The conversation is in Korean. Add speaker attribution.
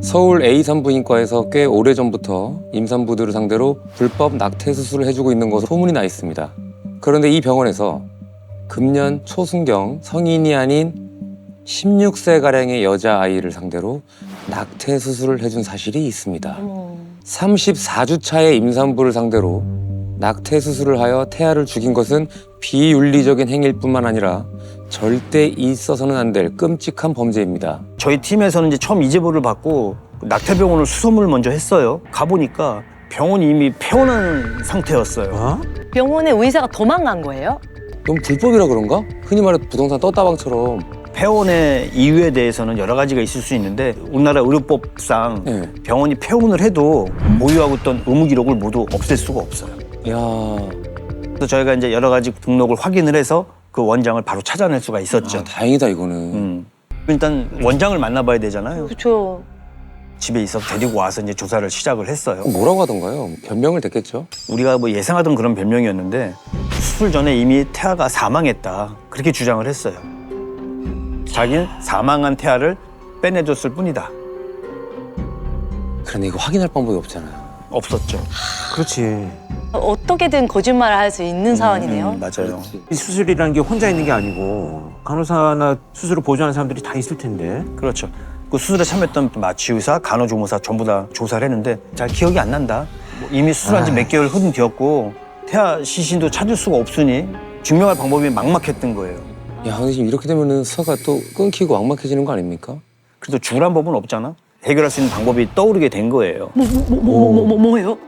Speaker 1: 서울 A 산부인과에서 꽤 오래전부터 임산부들을 상대로 불법 낙태 수술을 해주고 있는 것으로 소문이 나 있습니다. 그런데 이 병원에서 금년 초순경 성인이 아닌 16세가량의 여자아이를 상대로 낙태 수술을 해준 사실이 있습니다. 34주 차의 임산부를 상대로 낙태 수술을 하여 태아를 죽인 것은 비윤리적인 행위일 뿐만 아니라 절대 있어서는 안 될 끔찍한 범죄입니다.
Speaker 2: 저희 팀에서는 이제 처음 이 제보를 받고 낙태병원을 수소문을 먼저 했어요. 가보니까 병원이 이미 폐원한 상태였어요.
Speaker 3: 병원에 의사가 도망간 거예요?
Speaker 1: 너무 불법이라 그런가? 흔히 말해 부동산 떴다방처럼.
Speaker 2: 폐원의 이유에 대해서는 여러 가지가 있을 수 있는데 우리나라 의료법상
Speaker 1: 네.
Speaker 2: 병원이 폐원을 해도 보유하고 있던 의무 기록을 모두 없앨 수가 없어요.
Speaker 1: 야,
Speaker 2: 그래서 저희가 이제 여러 가지 등록을 확인을 해서 그 원장을 바로 찾아낼 수가 있었죠.
Speaker 1: 아, 다행이다 이거는.
Speaker 2: 일단 원장을 만나봐야 되잖아요.
Speaker 3: 그렇죠.
Speaker 2: 집에 있어 데리고 와서 이제 조사를 시작을 했어요.
Speaker 1: 뭐라고 하던가요? 변명을 댔겠죠?
Speaker 2: 우리가 뭐 예상하던 그런 변명이었는데 수술 전에 이미 태아가 사망했다 그렇게 주장을 했어요. 자기는 사망한 태아를 빼내줬을 뿐이다.
Speaker 1: 그런데 이거 확인할 방법이 없잖아요.
Speaker 2: 없었죠.
Speaker 4: 그렇지.
Speaker 3: 어떻게든 거짓말을 할 수 있는 상황이네요.
Speaker 2: 맞아요.
Speaker 4: 이 수술이라는 게 혼자 있는 게 아니고 간호사나 수술을 보조하는 사람들이 다 있을 텐데.
Speaker 2: 그렇죠. 그 수술에 참여했던 마취의사, 간호조무사 전부 다 조사를 했는데 잘 기억이 안 난다. 뭐 이미 수술한 지 몇 개월 흐른 뒤였고 태아 시신도 찾을 수가 없으니 증명할 방법이 막막했던 거예요.
Speaker 1: 야, 근데 지금 이렇게 되면은 수사가 또 끊기고 막막해지는 거 아닙니까?
Speaker 2: 그래도 죽으란 법은 없잖아. 해결할 수 있는 방법이 떠오르게 된 거예요.
Speaker 3: 뭐예요?